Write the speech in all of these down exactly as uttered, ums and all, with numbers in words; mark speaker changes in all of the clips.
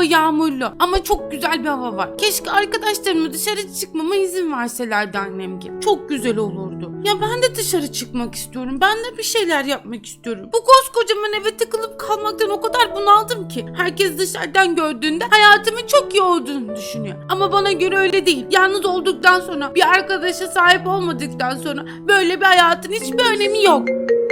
Speaker 1: hava yağmurlu ama çok güzel bir hava var. Keşke arkadaşlarımla dışarı çıkmama izin verselerdi annem gibi. Çok güzel olurdu. Ya ben de dışarı çıkmak istiyorum. Ben de bir şeyler yapmak istiyorum. Bu koskocaman eve tıkılıp kalmaktan o kadar bunaldım ki. Herkes dışarıdan gördüğünde hayatımın çok iyi olduğunu düşünüyor. Ama bana göre öyle değil. Yalnız olduktan sonra, bir arkadaşa sahip olmadıktan sonra böyle bir hayatın hiçbir önemi yok.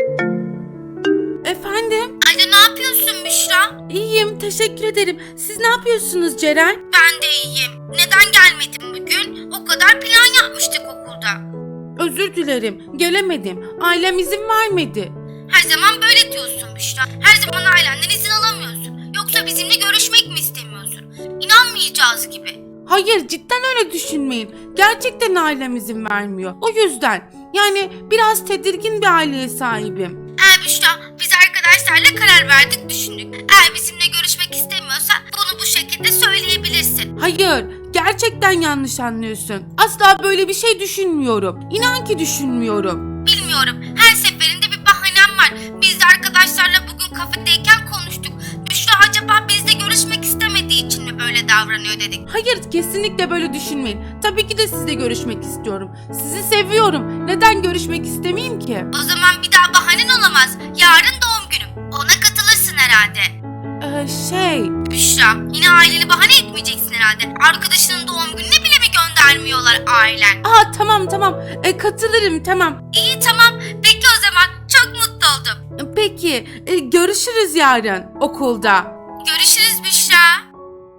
Speaker 1: Efendim?
Speaker 2: Alo, ne yapıyorsun Büşra?
Speaker 1: İyiyim, teşekkür ederim. Siz ne yapıyorsunuz Ceren?
Speaker 2: Ben de iyiyim. Neden gelmedin bugün? O kadar plan yapmıştık okulda.
Speaker 1: Özür dilerim, gelemedim. Ailem izin vermedi.
Speaker 2: Her zaman böyle diyorsun Büşra. Her zaman ailenden izin alamıyorsun. Yoksa bizimle görüşmek mi istemiyorsun? İnanmayacağız gibi.
Speaker 1: Hayır, cidden öyle düşünmeyin. Gerçekten ailem izin vermiyor. O yüzden. Yani biraz tedirgin bir aileye sahibim.
Speaker 2: Eğer Büşra, biz arkadaşlarla karar verdik, düşündük. Eğer bizimle görüşmek istemiyorsan bunu bu şekilde söyleyebilirsin.
Speaker 1: Hayır, gerçekten yanlış anlıyorsun. Asla böyle bir şey düşünmüyorum. İnan ki düşünmüyorum.
Speaker 2: Bilmiyorum. Her seferinde bir bahanem var. Biz de arkadaşlarla bugün kafedeyken konuştuk. Büşra acaba bizle görüşmek istemediği için mi böyle davranıyor dedik.
Speaker 1: Hayır, kesinlikle böyle düşünmeyin. Tabii ki de sizle görüşmek istiyorum. Sizi seviyorum. Neden görüşmek istemeyeyim ki?
Speaker 2: O zaman bir daha bahanen olamaz. Yarın doğum günüm. Ona katılırsın herhalde.
Speaker 1: Ee, şey...
Speaker 2: Büşra, yine aileni bahane etmeyeceksin herhalde. Arkadaşının doğum gününe bile mi göndermiyorlar ailen?
Speaker 1: Aa tamam tamam. Ee, katılırım tamam.
Speaker 2: İyi, tamam. Peki o zaman. Çok mutlu oldum.
Speaker 1: Peki, e, görüşürüz yarın okulda.
Speaker 2: Görüşürüz Büşra.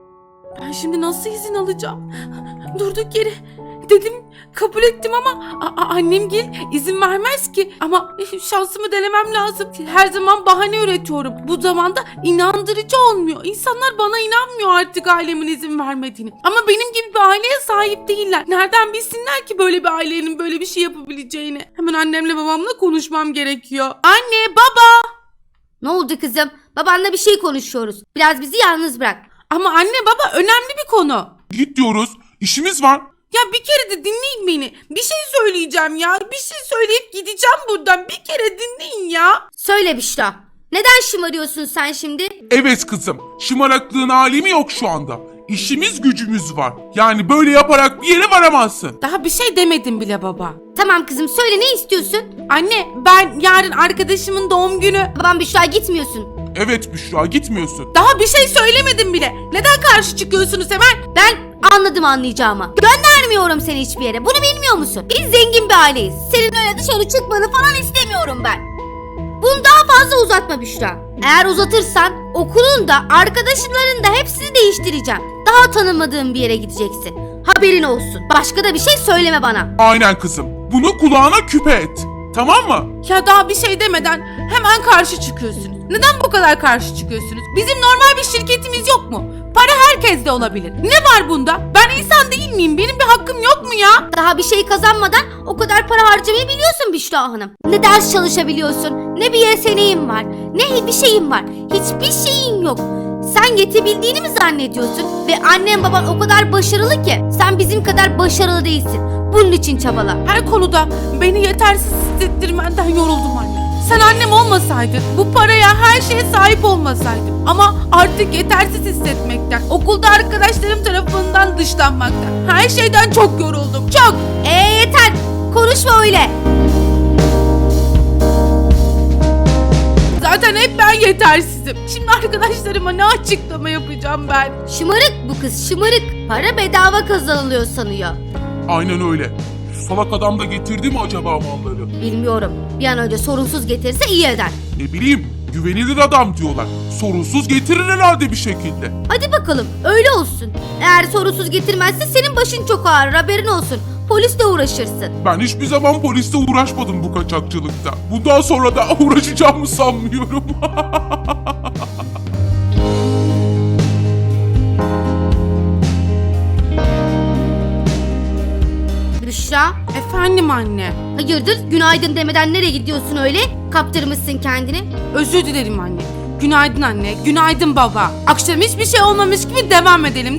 Speaker 1: Ben şimdi nasıl izin alacağım? Durduk yere dedim, kabul ettim ama a- a- annemgil izin vermez ki. Ama şansımı denemem lazım. Her zaman bahane üretiyorum. Bu zamanda inandırıcı olmuyor. İnsanlar bana inanmıyor artık ailemin izin vermediğini. Ama benim gibi bir aileye sahip değiller. Nereden bilsinler ki böyle bir ailenin böyle bir şey yapabileceğini? Hemen annemle babamla konuşmam gerekiyor. Anne, baba!
Speaker 2: Ne oldu kızım? Babanla bir şey konuşuyoruz. Biraz bizi yalnız bırak.
Speaker 1: Ama anne baba, önemli bir konu.
Speaker 3: Git diyoruz. İşimiz var.
Speaker 1: Ya bir kere de dinleyin beni. Bir şey söyleyeceğim ya. Bir şey söyleyip gideceğim buradan. Bir kere dinleyin ya.
Speaker 2: Söyle Büşra. Neden şımarıyorsun sen şimdi?
Speaker 3: Evet kızım. Şımaraklığın alemi yok şu anda. İşimiz gücümüz var. Yani böyle yaparak bir yere varamazsın.
Speaker 1: Daha bir şey demedim bile baba.
Speaker 2: Tamam kızım, söyle, ne istiyorsun?
Speaker 1: Anne, ben yarın arkadaşımın doğum günü.
Speaker 2: Babam Büşra, gitmiyorsun.
Speaker 3: Evet Büşra, gitmiyorsun.
Speaker 1: Daha bir şey söylemedim bile. Neden karşı çıkıyorsunuz hemen?
Speaker 2: Ben anladım anlayacağımı. Göndermiyorum seni hiçbir yere. Bunu bilmiyor musun? Biz zengin bir aileyiz. Senin öyle dışarı çıkmanı falan istemiyorum ben. Bunu daha fazla uzatma Büşra. Eğer uzatırsan okulun da arkadaşların da hepsini değiştireceğim. Daha tanımadığım bir yere gideceksin. Haberin olsun. Başka da bir şey söyleme bana.
Speaker 3: Aynen kızım. Bunu kulağına küpe et. Tamam mı?
Speaker 1: Ya daha bir şey demeden hemen karşı çıkıyorsunuz. Neden bu kadar karşı çıkıyorsunuz? Bizim normal bir şirketimiz yok mu? Para herkeste olabilir. Ne var bunda? Ben insan değil miyim? Benim bir hakkım yok mu ya?
Speaker 2: Daha bir şey kazanmadan o kadar para harcamayı biliyorsun Büşra Hanım. Ne ders çalışabiliyorsun, ne bir yeteneğin var, ne bir şeyin var. Hiçbir şeyin yok. Sen yetebildiğini mi zannediyorsun? Ve annen baban o kadar başarılı ki sen bizim kadar başarılı değilsin. Bunun için çabala.
Speaker 1: Her konuda beni yetersiz hissettirmenden yoruldum anne. Sen annem olmasaydın, bu paraya, her şeye sahip olmasaydım. Ama artık yetersiz hissetmekten, okulda arkadaşlarım tarafından dışlanmaktan, her şeyden çok yoruldum. Çok!
Speaker 2: Ee yeter. Konuşma öyle.
Speaker 1: Zaten hep ben yetersizim. Şimdi arkadaşlarıma ne açıklama yapacağım ben?
Speaker 2: Şımarık bu kız, şımarık. Para bedava kazanılıyor sanıyor.
Speaker 3: Aynen öyle. Salak adam da getirdi mi acaba malları?
Speaker 2: Bilmiyorum. Bir an önce sorunsuz getirse iyi eder.
Speaker 3: Ne bileyim, güvenilir adam diyorlar. Sorunsuz getirir herhalde bir şekilde.
Speaker 2: Hadi bakalım, öyle olsun. Eğer sorunsuz getirmezse senin başın çok ağrır, haberin olsun. Polisle uğraşırsın.
Speaker 3: Ben hiçbir zaman polisle uğraşmadım bu kaçakçılıkta. Bundan sonra da uğraşacağımı sanmıyorum.
Speaker 2: Büşra,
Speaker 1: Efendim anne.
Speaker 2: hayırdır? Günaydın demeden nereye gidiyorsun öyle? Kaptırmışsın kendini.
Speaker 1: Özür dilerim anne. Günaydın anne, günaydın baba. Akşam hiçbir şey olmamış gibi devam edelim değil mi?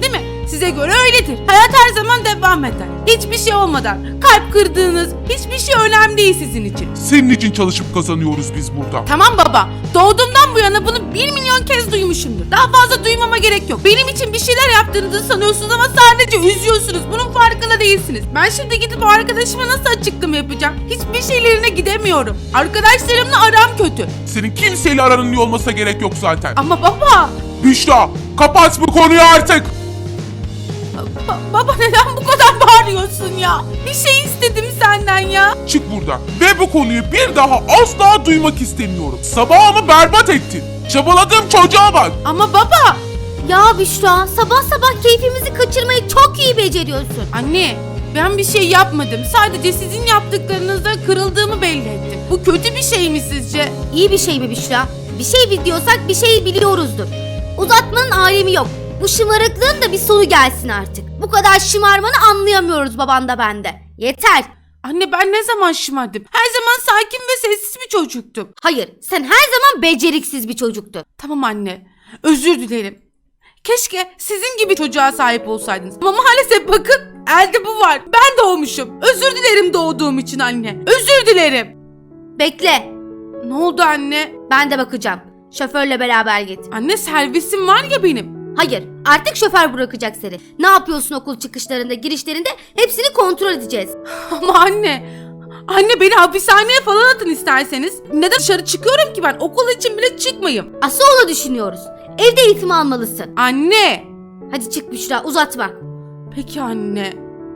Speaker 1: Size göre öyledir. Hayat her zaman devam eder. Hiçbir şey olmadan. Kalp kırdığınız hiçbir şey önemli değil sizin için.
Speaker 3: Senin için çalışıp kazanıyoruz biz burada.
Speaker 1: Tamam baba. Doğduğumdan bu yana bunu bir milyon kez duymuşumdur. Daha fazla duymama gerek yok. Benim için bir şeyler yaptığınızı sanıyorsunuz ama sadece üzüyorsunuz. Bunun farkında değilsiniz. Ben şimdi gidip o arkadaşıma nasıl açıklama yapacağım? Hiçbir şeylerine gidemiyorum. Arkadaşlarımla aram kötü.
Speaker 3: Senin kimseyle aranın iyi olmasına gerek yok zaten.
Speaker 1: Ama baba...
Speaker 3: Büşra, kapat bu konuyu artık.
Speaker 1: Ba- baba neden bu kadar bağırıyorsun ya? Bir şey istedim senden ya.
Speaker 3: Çık buradan ve bu konuyu bir daha asla duymak istemiyorum. Sabahımı berbat ettin. Çabaladığım çocuğa bak.
Speaker 1: Ama baba...
Speaker 2: Ya Büşra, sabah sabah keyfimizi kaçırmayı çok iyi beceriyorsun.
Speaker 1: Anne, ben bir şey yapmadım. Sadece sizin yaptıklarınızda kırıldığımı belli ettim. Bu kötü bir şey mi sizce?
Speaker 2: İyi bir şey mi Büşra? Bir şey biliyorsak bir şey biliyoruzdur. Uzatmanın alemi yok. Bu şımarıklığın da bir sonu gelsin artık. Bu kadar şımarmanı anlayamıyoruz baban da bende. Yeter.
Speaker 1: Anne ben ne zaman şımardım? Her zaman sakin ve sessiz bir çocuktum.
Speaker 2: Hayır, sen her zaman beceriksiz bir çocuktun.
Speaker 1: Tamam anne, özür dilerim. Keşke sizin gibi çocuğa sahip olsaydınız. Ama maalesef bakın, elde bu var. Ben doğmuşum. Özür dilerim doğduğum için anne. Özür dilerim.
Speaker 2: Bekle,
Speaker 1: Ne oldu anne?
Speaker 2: ben de bakacağım. Şoförle beraber git.
Speaker 1: Anne servisim var ya benim.
Speaker 2: Hayır, artık şoför bırakacak seni. Ne yapıyorsun okul çıkışlarında, girişlerinde hepsini kontrol edeceğiz.
Speaker 1: Ama anne, anne beni hapishaneye falan atın isterseniz. Neden dışarı çıkıyorum ki ben? Okul için bile çıkmayayım.
Speaker 2: Asıl onu düşünüyoruz. Evde eğitim almalısın.
Speaker 1: Anne.
Speaker 2: Hadi çık Büşra, uzatma.
Speaker 1: Peki anne.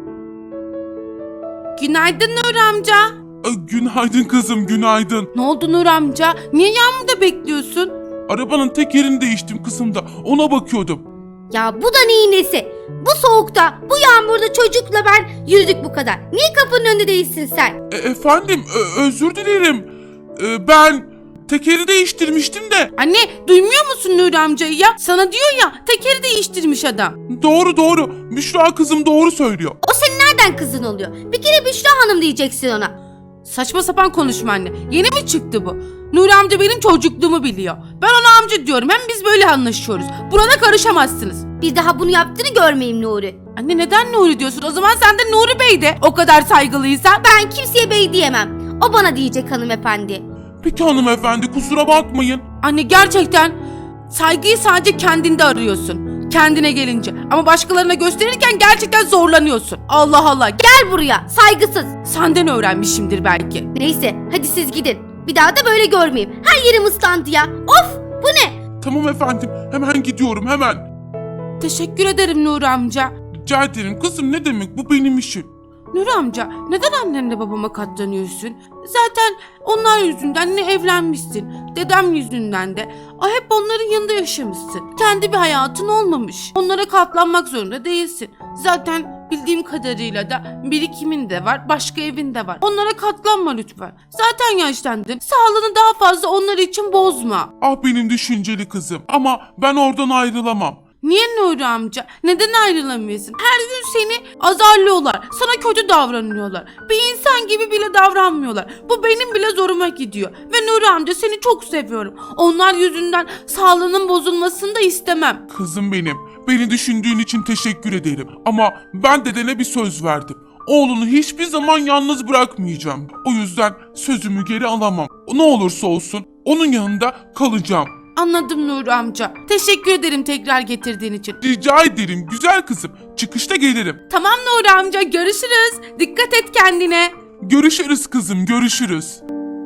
Speaker 1: Günaydın Nur amca.
Speaker 3: Ay, günaydın kızım, günaydın.
Speaker 1: Ne oldu Nur amca? Niye yağmurda bekliyorsun?
Speaker 3: Arabanın tekerini değiştim kızım da ona bakıyordum.
Speaker 2: Ya bu da neyin nesi? Bu soğukta, bu yağmurda çocukla ben yürüdük bu kadar. Niye kapının önünde değilsin sen?
Speaker 3: E, efendim ö- özür dilerim. E, ben tekeri değiştirmiştim de.
Speaker 1: Anne duymuyor musun Nur amcayı ya? Sana diyor ya tekeri değiştirmiş adam.
Speaker 3: Doğru doğru. Büşra kızım doğru söylüyor.
Speaker 2: O senin nereden kızın oluyor? Bir kere Büşra Hanım diyeceksin ona.
Speaker 1: Saçma sapan konuşma anne. Yeni mi çıktı bu? Nur amca benim çocukluğumu biliyor. Ben ona amca diyorum. Hem biz böyle anlaşıyoruz. Burada karışamazsınız.
Speaker 2: Bir daha bunu yaptığını görmeyeyim Nuri.
Speaker 1: Anne neden Nuri diyorsun? O zaman sen de Nuri Bey de. O kadar saygılıysan.
Speaker 2: Ben kimseye bey diyemem. O bana diyecek hanımefendi.
Speaker 3: Peki hanımefendi kusura bakmayın.
Speaker 1: Anne gerçekten saygıyı sadece kendinde arıyorsun. Kendine gelince. Ama başkalarına gösterirken gerçekten zorlanıyorsun. Allah Allah.
Speaker 2: Gel buraya, saygısız.
Speaker 1: Senden öğrenmişimdir belki.
Speaker 2: Neyse, hadi siz gidin. Bir daha da böyle görmeyeyim. Her yerim ıslandı ya. Of, bu ne?
Speaker 3: Tamam efendim hemen gidiyorum hemen.
Speaker 1: Teşekkür ederim Nuri amca.
Speaker 3: Rica ederim kızım ne demek bu benim işim.
Speaker 1: Nuri amca neden annenle babama katlanıyorsun? Zaten onlar yüzünden ne evlenmişsin. Dedem yüzünden de. O hep onların yanında yaşamışsın. Kendi bir hayatın olmamış. Onlara katlanmak zorunda değilsin. Zaten bildiğim kadarıyla da birikimin de var, başka evin de var. Onlara katlanma lütfen. Zaten yaşlandın. Sağlığını daha fazla onlar için bozma.
Speaker 3: Ah benim düşünceli kızım ama ben oradan ayrılamam.
Speaker 1: Niye Nuri amca? Neden ayrılamıyorsun? Her gün seni azarlıyorlar. Sana kötü davranıyorlar. Bir insan gibi bile davranmıyorlar. Bu benim bile zoruma gidiyor. Ve Nuri amca seni çok seviyorum. Onlar yüzünden sağlığının bozulmasını da istemem.
Speaker 3: Kızım benim beni düşündüğün için teşekkür ederim ama ben dedene bir söz verdim. Oğlunu hiçbir zaman yalnız bırakmayacağım. O yüzden sözümü geri alamam. Ne olursa olsun onun yanında kalacağım.
Speaker 1: Anladım Nuri amca. Teşekkür ederim tekrar getirdiğin için.
Speaker 3: Rica ederim güzel kızım. Çıkışta gelirim.
Speaker 1: Tamam Nuri amca görüşürüz. Dikkat et kendine.
Speaker 3: Görüşürüz kızım görüşürüz.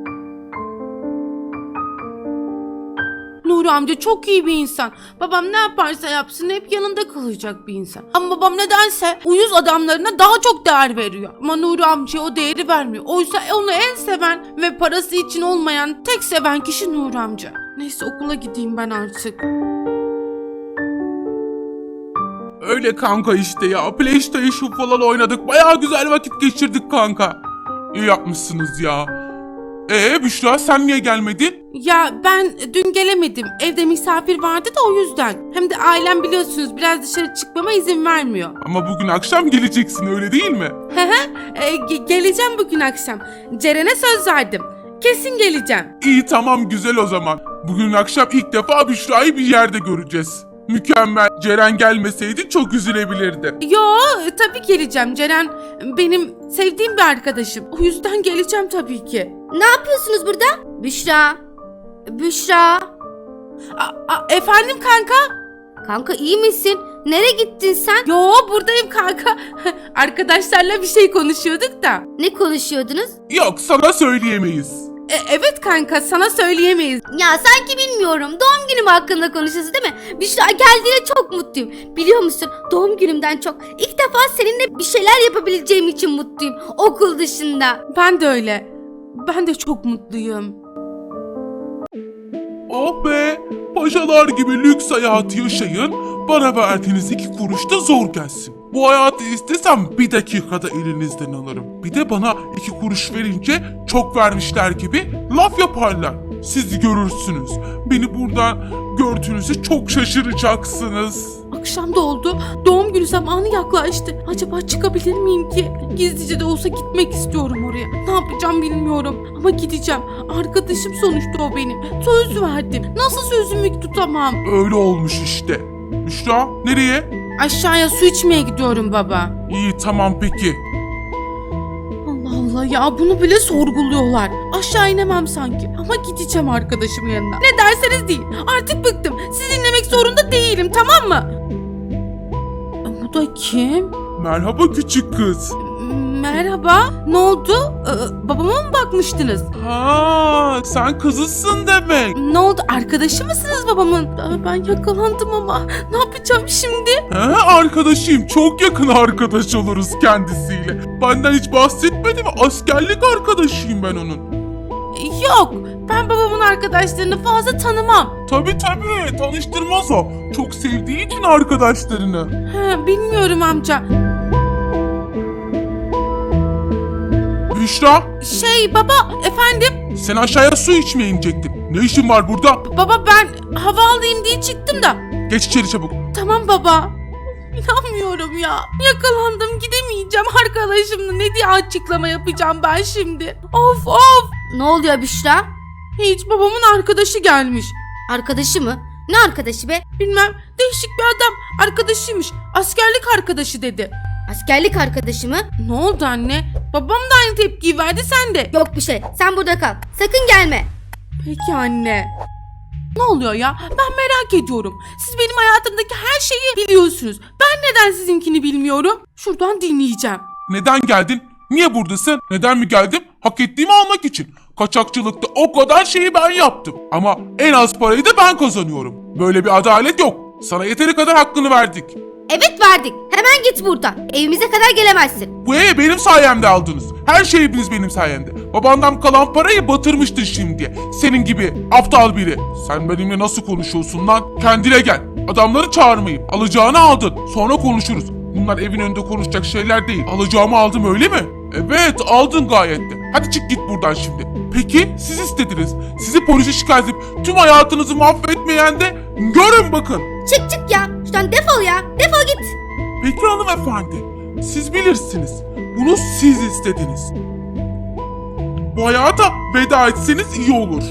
Speaker 1: Nuri amca çok iyi bir insan. Babam ne yaparsa yapsın hep yanında kalacak bir insan. Ama babam nedense uyuz adamlarına daha çok değer veriyor. Ama Nuri amcaya o değeri vermiyor. Oysa onu en seven ve parası için olmayan tek seven kişi Nuri amca. Neyse okula gideyim ben artık.
Speaker 3: Öyle kanka işte ya. PlayStation falan oynadık. Bayağı güzel vakit geçirdik kanka. İyi yapmışsınız ya. Ee Büşra sen niye gelmedin?
Speaker 1: Ya ben dün gelemedim. Evde misafir vardı da o yüzden. Hem de ailem biliyorsunuz biraz dışarı çıkmama izin vermiyor.
Speaker 3: Ama bugün akşam geleceksin öyle değil mi?
Speaker 1: Hı hı. E, ge- geleceğim bugün akşam. Ceren'e söz verdim. Kesin geleceğim.
Speaker 3: İyi tamam güzel o zaman. Bugün akşam ilk defa Büşra'yı bir yerde göreceğiz. Mükemmel. Ceren gelmeseydi çok üzülebilirdi.
Speaker 1: Yo, tabii geleceğim. Ceren benim sevdiğim bir arkadaşım. O yüzden geleceğim tabii ki.
Speaker 2: Ne yapıyorsunuz burada? Büşra. Büşra.
Speaker 1: A- a- efendim kanka?
Speaker 2: Kanka iyi misin? Nereye gittin sen?
Speaker 1: Yo, buradayım kanka. Arkadaşlarla bir şey konuşuyorduk da.
Speaker 2: Ne konuşuyordunuz?
Speaker 3: Yok, sana söyleyemeyiz.
Speaker 1: E, evet kanka, sana söyleyemeyiz.
Speaker 2: Ya sanki bilmiyorum. Doğum günüm hakkında konuşuyoruz değil mi? Büşra geldiğine çok mutluyum. Biliyor musun? Doğum günümden çok. İlk defa seninle bir şeyler yapabileceğim için mutluyum. Okul dışında.
Speaker 1: Ben de öyle. Ben de çok mutluyum.
Speaker 3: Oh be! Paşalar gibi lüks hayatı yaşayın, bana verdiğiniz iki kuruş da zor gelsin. Bu hayatı istesem bir dakikada elinizden alırım. Bir de bana iki kuruş verince çok vermişler gibi laf yaparlar. Siz görürsünüz. Beni buradan gördüğünüzde çok şaşıracaksınız.
Speaker 1: Akşam da oldu. Doğum günü zamanı yaklaştı. Acaba çıkabilir miyim ki? Gizlice de olsa gitmek istiyorum oraya. Ne yapacağım bilmiyorum. Ama gideceğim. Arkadaşım sonuçta o benim. Söz verdim. Nasıl sözümü tutamam?
Speaker 3: Öyle olmuş işte. Büşra, nereye?
Speaker 1: Aşağıya su içmeye gidiyorum baba.
Speaker 3: İyi, tamam peki.
Speaker 1: Allah Allah ya, bunu bile sorguluyorlar. Aşağı inemem sanki. Ama gideceğim arkadaşımın yanına. Ne derseniz deyin. Artık bıktım. Sizi dinlemek zorunda değilim, tamam mı? Bu da kim?
Speaker 3: Merhaba küçük kız.
Speaker 1: Merhaba. Ne oldu? Ee, babama mı bakmıştınız?
Speaker 3: Ha, sen kızısın demek.
Speaker 1: Ne oldu? Arkadaşı mısınız babamın? Aa, ben yakalandım ama. Ne yapacağım şimdi?
Speaker 3: He, arkadaşıyım. Çok yakın arkadaş oluruz kendisiyle. Benden hiç bahsetmedi mi? Askerlik arkadaşıyım ben onun.
Speaker 1: Yok. Ben babamın arkadaşlarını fazla tanımam.
Speaker 3: Tabii tabii, tanıştırmaz o. Çok sevdiği için arkadaşlarını.
Speaker 1: Ha, bilmiyorum amca.
Speaker 3: Büşra,
Speaker 1: Şey baba, efendim?
Speaker 3: sen aşağıya su içmeye inecektin. Ne işin var burada?
Speaker 1: Baba, ben hava alayım diye çıktım da.
Speaker 3: Geç içeri çabuk.
Speaker 1: Tamam baba. İnanmıyorum ya. Yakalandım, gidemeyeceğim arkadaşımla. Ne diye açıklama yapacağım ben şimdi? Of of.
Speaker 2: Ne oluyor Büşra?
Speaker 1: Hiç, babamın arkadaşı gelmiş.
Speaker 2: Arkadaşı mı? Ne arkadaşı be?
Speaker 1: Bilmem, değişik bir adam. Arkadaşıymış. Askerlik arkadaşı dedi.
Speaker 2: Askerlik arkadaşı mı?
Speaker 1: Ne oldu anne? Babam da aynı tepkiyi verdi, sen de.
Speaker 2: Yok bir şey. Sen burada kal. Sakın gelme.
Speaker 1: Peki anne. Ne oluyor ya? Ben merak ediyorum. Siz benim hayatımdaki her şeyi biliyorsunuz. Ben neden sizinkini bilmiyorum? Şuradan dinleyeceğim.
Speaker 3: Neden geldin? Niye buradasın? Neden mi geldim? Hak ettiğimi almak için. Kaçakçılıkta o kadar şeyi ben yaptım. Ama en az parayı da ben kazanıyorum. Böyle bir adalet yok. Sana yeteri kadar hakkını verdik.
Speaker 2: Evet verdik. Hemen git buradan. Evimize kadar gelemezsin.
Speaker 3: Bu evi benim sayemde aldınız. Her şeyiniz benim sayemde. Babandan kalan parayı batırmıştın şimdiye. Senin gibi aptal biri. Sen benimle nasıl konuşuyorsun lan? Kendine gel. Adamları çağırmayayım. Alacağını aldın. Sonra konuşuruz. Bunlar evin önünde konuşacak şeyler değil. Alacağımı aldım, öyle mi? Evet, aldın gayet de. Hadi çık git buradan şimdi. Peki siz istediniz. Sizi polise şikayet edip tüm hayatınızı mahvetmeyen de görün bakın.
Speaker 2: Çık çık ya. Şuradan defol ya. Defol git.
Speaker 3: Peki hanımefendi, siz bilirsiniz. Bunu siz istediniz. Bu hayata veda etseniz iyi olur.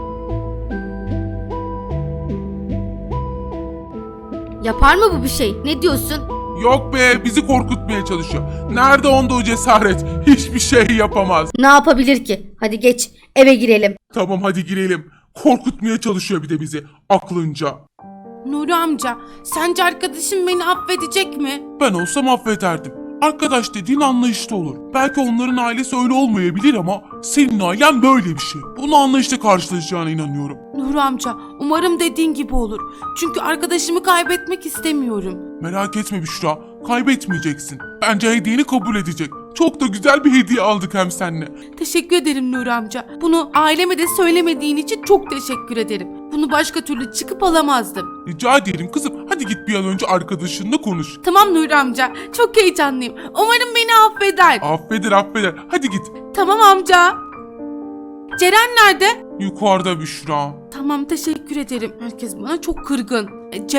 Speaker 2: Yapar mı bu bir şey? Ne diyorsun?
Speaker 3: Yok be, bizi korkutmaya çalışıyor. Nerede onda o cesaret? Hiçbir şey yapamaz.
Speaker 2: Ne yapabilir ki? Hadi geç. Eve girelim.
Speaker 3: Tamam hadi girelim. Korkutmaya çalışıyor bir de bizi aklınca.
Speaker 1: Nuri amca, sence arkadaşım beni affedecek mi?
Speaker 3: Ben olsam affederdim. Arkadaş dediğin anlayışlı olur. Belki onların ailesi öyle olmayabilir ama senin ailen böyle bir şey. Bunu anlayışla karşılayacağına inanıyorum.
Speaker 1: Nuri amca, umarım dediğin gibi olur. Çünkü arkadaşımı kaybetmek istemiyorum.
Speaker 3: Merak etme Büşra, kaybetmeyeceksin. Bence hediyeni kabul edecek. Çok da güzel bir hediye aldık hem seninle.
Speaker 1: Teşekkür ederim Nuri amca. Bunu aileme de söylemediğin için çok teşekkür ederim. Bunu başka türlü çıkıp alamazdım.
Speaker 3: Rica ederim kızım, hadi git bir an önce arkadaşınla konuş.
Speaker 1: Tamam Nuri amca, çok heyecanlıyım. Umarım beni affeder.
Speaker 3: Affeder affeder, hadi git.
Speaker 1: Tamam amca. Ceren nerede?
Speaker 3: Yukarıda Büşra.
Speaker 1: Tamam, teşekkür ederim. Herkes bana çok kırgın. E, Ceren?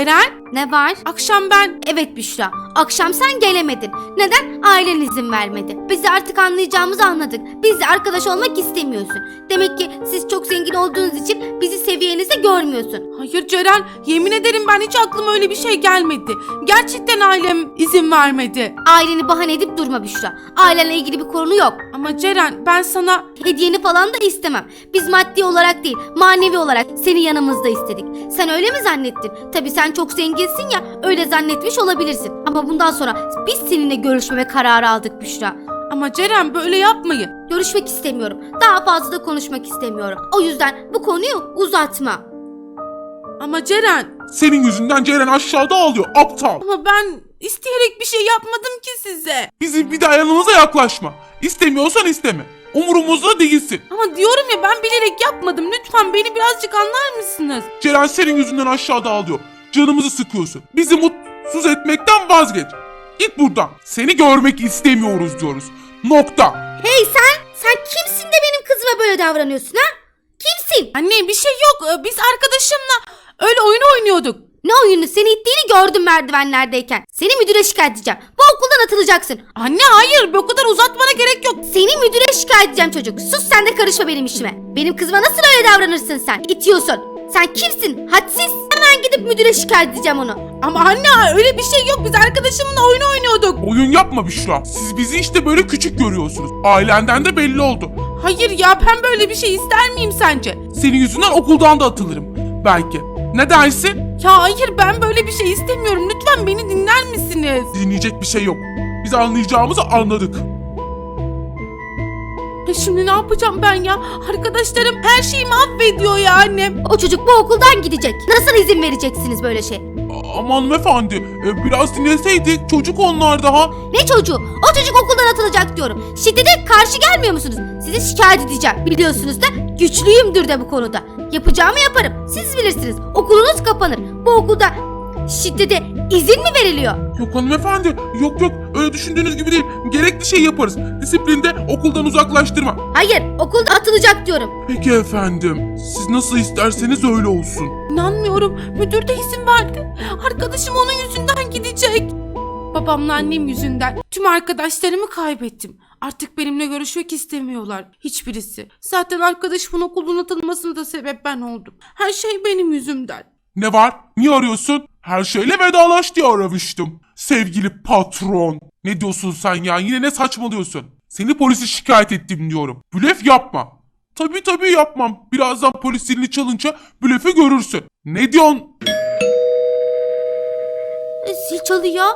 Speaker 2: Ne var?
Speaker 1: Akşam ben...
Speaker 2: Evet Büşra, akşam sen gelemedin. Neden? Ailen izin vermedi. Biz de artık anlayacağımızı anladık. Bizle arkadaş olmak istemiyorsun. Demek ki siz çok zengin olduğunuz için bizi seviyenizde görmüyorsun.
Speaker 1: Hayır Ceren, yemin ederim ben hiç aklıma öyle bir şey gelmedi. Gerçekten ailem izin vermedi.
Speaker 2: Aileni bahane edip durma Büşra. Ailenle ilgili bir konu yok.
Speaker 1: Ama Ceren, ben sana...
Speaker 2: Hediyeni falan da istemem. Biz maddi olarak değil, manevi olarak seni yanımızda istedik. Sen öyle mi zannettin? Tabii sen çok zenginsin ya, öyle zannetmiş olabilirsin. Ama bundan sonra biz seninle görüşmeme kararı aldık Büşra.
Speaker 1: Ama Ceren, böyle yapmayın.
Speaker 2: Görüşmek istemiyorum. Daha fazla da konuşmak istemiyorum. O yüzden bu konuyu uzatma.
Speaker 1: Ama Ceren...
Speaker 3: Senin yüzünden Ceren aşağıda ağlıyor aptal.
Speaker 1: Ama ben isteyerek bir şey yapmadım ki size.
Speaker 3: Bizim bir daha yanımıza yaklaşma. İstemiyorsan isteme. Umurumuzda değilsin.
Speaker 1: Ama diyorum ya, ben bilerek yapmadım. Lütfen beni birazcık anlar mısınız?
Speaker 3: Ceren senin yüzünden aşağıda ağlıyor. Canımızı sıkıyorsun. Bizi mutsuz etmekten vazgeç. Git buradan. Seni görmek istemiyoruz diyoruz. Nokta.
Speaker 2: Hey sen! Sen kimsin de benim kızıma böyle davranıyorsun ha? Kimsin?
Speaker 1: Anne, bir şey yok. Ee, Biz arkadaşımla öyle oyun oynuyorduk.
Speaker 2: Ne oyunu? Seni ittiğini gördüm merdivenlerdeyken. Seni müdüre şikayet edeceğim. Bu okuldan atılacaksın.
Speaker 1: Anne hayır, bu kadar uzatmana gerek yok.
Speaker 2: Seni müdüre şikayet edeceğim çocuk. Sus, sen de karışma benim işime. Benim kızıma nasıl öyle davranırsın sen? İtiyorsun. Sen kimsin? Hadsiz. Hemen gidip müdüre şikayet edeceğim onu.
Speaker 1: Ama anne, öyle bir şey yok. Biz arkadaşımla oyun oynuyorduk.
Speaker 3: Oyun yapma Büşra. Siz bizi işte böyle küçük görüyorsunuz. Ailenden de belli oldu.
Speaker 1: Hayır ya, ben böyle bir şey ister miyim sence?
Speaker 3: Senin yüzünden okuldan da atılırım. Belki. Ne dersin?
Speaker 1: Ya hayır, ben böyle bir şey istemiyorum. Lütfen beni dinler misiniz?
Speaker 3: Dinleyecek bir şey yok. Biz anlayacağımızı anladık.
Speaker 1: Ya şimdi ne yapacağım ben ya? Arkadaşlarım her şeyi mahvediyor ya annem.
Speaker 2: O çocuk bu okuldan gidecek. Nasıl izin vereceksiniz böyle şey?
Speaker 3: A- Aman hanımefendi. e, Biraz dinleseydik. Çocuk onlar daha.
Speaker 2: Ne çocuğu? O çocuk okuldan atılacak diyorum. Şiddete karşı gelmiyor musunuz? Sizi şikayet edeceğim. Biliyorsunuz da güçlüyümdür de bu konuda. Yapacağımı yaparım. Siz bilirsiniz. Okulunuz kapanır. Bu okulda şiddete izin mi veriliyor?
Speaker 3: Yok hanımefendi. Yok yok. Öyle düşündüğünüz gibi değil. Gerekli şey yaparız. Disiplinde okuldan uzaklaştırma.
Speaker 2: Hayır, okulda atılacak diyorum.
Speaker 3: Peki efendim. Siz nasıl isterseniz öyle olsun.
Speaker 1: İnanmıyorum. Müdür de izin verdi. Arkadaşım onun yüzünden gidecek. Babamla annem yüzünden tüm arkadaşlarımı kaybettim. Artık benimle görüşmek istemiyorlar. Hiçbirisi. Zaten arkadaşımın okuldan atılmasına da sebep ben oldum. Her şey benim yüzümden.
Speaker 3: Ne var? Niye arıyorsun? Her şeyle vedalaş diye aramıştım. Sevgili patron. Ne diyorsun sen ya? Yine ne saçmalıyorsun? Seni polise şikayet ettim diyorum. Blöf yapma. Tabii tabii yapmam. Birazdan polis zilini çalınca blöfü görürsün. Ne diyorsun?
Speaker 2: E, Zil çalıyor.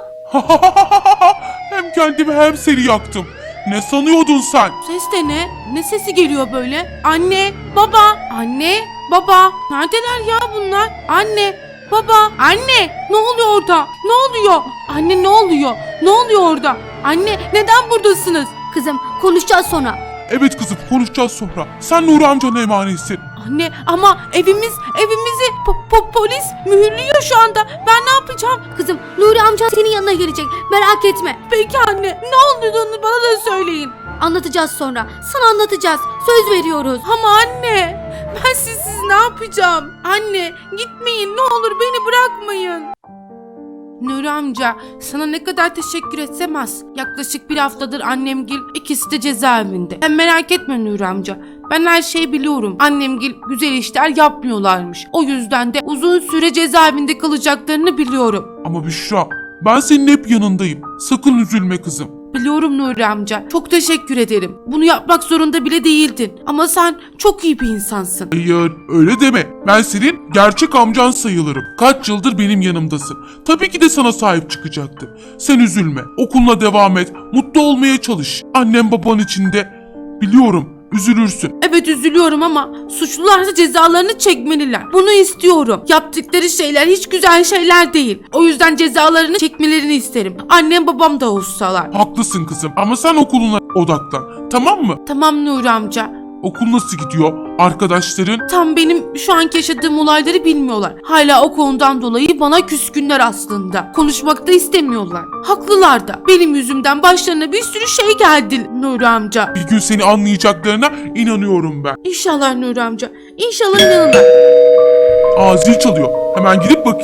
Speaker 3: Hem kendimi hem seni yaktım. Ne sanıyordun sen?
Speaker 1: Ses de ne? Ne sesi geliyor böyle? Anne, baba, anne, baba. Neredeler ya bunlar? Anne, baba, anne. Ne oluyor orada? Ne oluyor? Anne ne oluyor? Ne oluyor orada? Anne, neden buradasınız?
Speaker 2: Kızım, konuşacağız sonra.
Speaker 3: Evet kızım, konuşacağız sonra. Sen Nuri amcana emanetsin.
Speaker 1: Anne, ama evimiz, evimizi po- po- polis mühürlüyor şu anda. Ben ne yapacağım?
Speaker 2: Kızım, Nuri amca senin yanına gelecek. Merak etme.
Speaker 1: Peki anne, ne olduğunu bana da söyleyin.
Speaker 2: Anlatacağız sonra. Sana anlatacağız. Söz veriyoruz.
Speaker 1: Ama anne, ben sizsiz ne yapacağım? Anne, gitmeyin, ne olur beni bırakmayın. Nuri amca, sana ne kadar teşekkür etsem az. Yaklaşık bir haftadır annemgil, ikisi de cezaevinde. Sen merak etme Nuri amca. Ben her şeyi biliyorum. Annemgil güzel işler yapmıyorlarmış. O yüzden de uzun süre cezaevinde kalacaklarını biliyorum.
Speaker 3: Ama Büşra, ben senin hep yanındayım. Sakın üzülme kızım.
Speaker 1: Biliyorum Nuri amca. Çok teşekkür ederim. Bunu yapmak zorunda bile değildin. Ama sen çok iyi bir insansın.
Speaker 3: Hayır, öyle deme. Ben senin gerçek amcan sayılırım. Kaç yıldır benim yanımdasın. Tabii ki de sana sahip çıkacaktım. Sen üzülme. Okuluna devam et. Mutlu olmaya çalış. Annem baban için de biliyorum üzülürsün.
Speaker 1: Evet üzülüyorum ama suçlularsa cezalarını çekmeliler. Bunu istiyorum. Yaptıkları şeyler hiç güzel şeyler değil. O yüzden cezalarını çekmelerini isterim. Annem babam da olsalar.
Speaker 3: Haklısın kızım ama sen okuluna odaklan. Tamam mı?
Speaker 1: Tamam Nuri amca.
Speaker 3: Okul nasıl gidiyor? Arkadaşların?
Speaker 1: Tam benim şu anki yaşadığım olayları bilmiyorlar. Hala o konudan dolayı bana küskünler aslında. Konuşmak da istemiyorlar. Haklılar da. Benim yüzümden başlarına bir sürü şey geldi Nuri amca.
Speaker 3: Bir gün seni anlayacaklarına inanıyorum ben.
Speaker 1: İnşallah Nuri amca. İnşallah inanırlar.
Speaker 3: Aa zil çalıyor. Hemen gidip bakayım.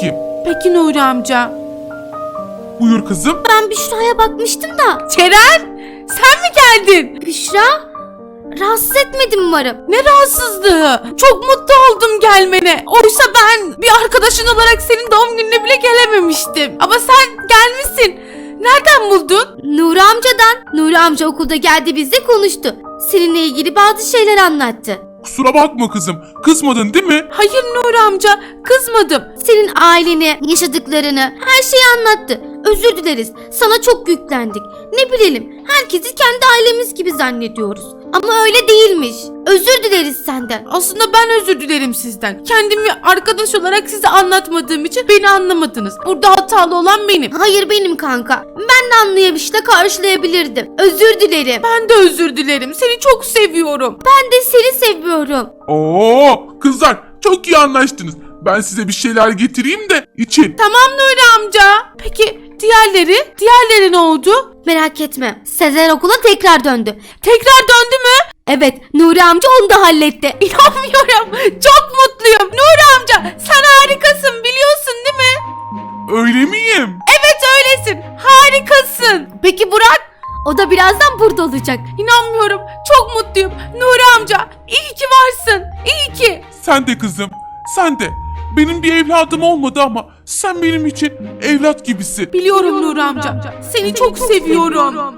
Speaker 1: Peki Nuri amca.
Speaker 3: Buyur kızım.
Speaker 2: Ben Büşra'ya bakmıştım da.
Speaker 1: Ceren, sen mi geldin?
Speaker 2: Büşra? Rahatsız etmedim umarım.
Speaker 1: Ne rahatsızlığı. Çok mutlu oldum gelmene. Oysa ben bir arkadaşın olarak senin doğum gününe bile gelememiştim. Ama sen gelmişsin. Nereden buldun?
Speaker 2: Nuri amcadan. Nuri amca okulda geldi bizle konuştu. Seninle ilgili bazı şeyler anlattı.
Speaker 3: Kusura bakma kızım. Kızmadın değil mi?
Speaker 1: Hayır Nuri amca, kızmadım.
Speaker 2: Senin aileni, yaşadıklarını, her şeyi anlattı. Özür dileriz. Sana çok yüklendik. Ne bilelim, herkesi kendi ailemiz gibi zannediyoruz. Ama öyle değilmiş. Özür dileriz senden.
Speaker 1: Aslında ben özür dilerim sizden. Kendimi arkadaş olarak size anlatmadığım için beni anlamadınız. Burada hatalı olan benim.
Speaker 2: Hayır benim kanka. Ben de anlayamış da karşılayabilirdim. Özür dilerim.
Speaker 1: Ben de özür dilerim. Seni çok seviyorum.
Speaker 2: Ben de seni seviyorum.
Speaker 3: Oo, kızlar çok iyi anlaştınız. Ben size bir şeyler getireyim de için.
Speaker 1: Tamam Nuri amca. Peki diğerleri? Diğerleri ne oldu?
Speaker 2: Merak etme. Sezer okula tekrar döndü.
Speaker 1: Tekrar döndü mü?
Speaker 2: Evet, Nuri amca onu da halletti.
Speaker 1: İnanmıyorum. Çok mutluyum. Nuri amca sen harikasın biliyorsun değil mi?
Speaker 3: Öyle miyim?
Speaker 1: Evet öylesin. Harikasın. Peki Burak?
Speaker 2: O da birazdan burada olacak.
Speaker 1: İnanmıyorum. Çok mutluyum. Nuri amca iyi ki varsın. İyi ki.
Speaker 3: Sen de kızım. Sen de. Benim bir evladım olmadı ama sen benim için evlat gibisin.
Speaker 1: Biliyorum Nuri amca. Seni çok seviyorum.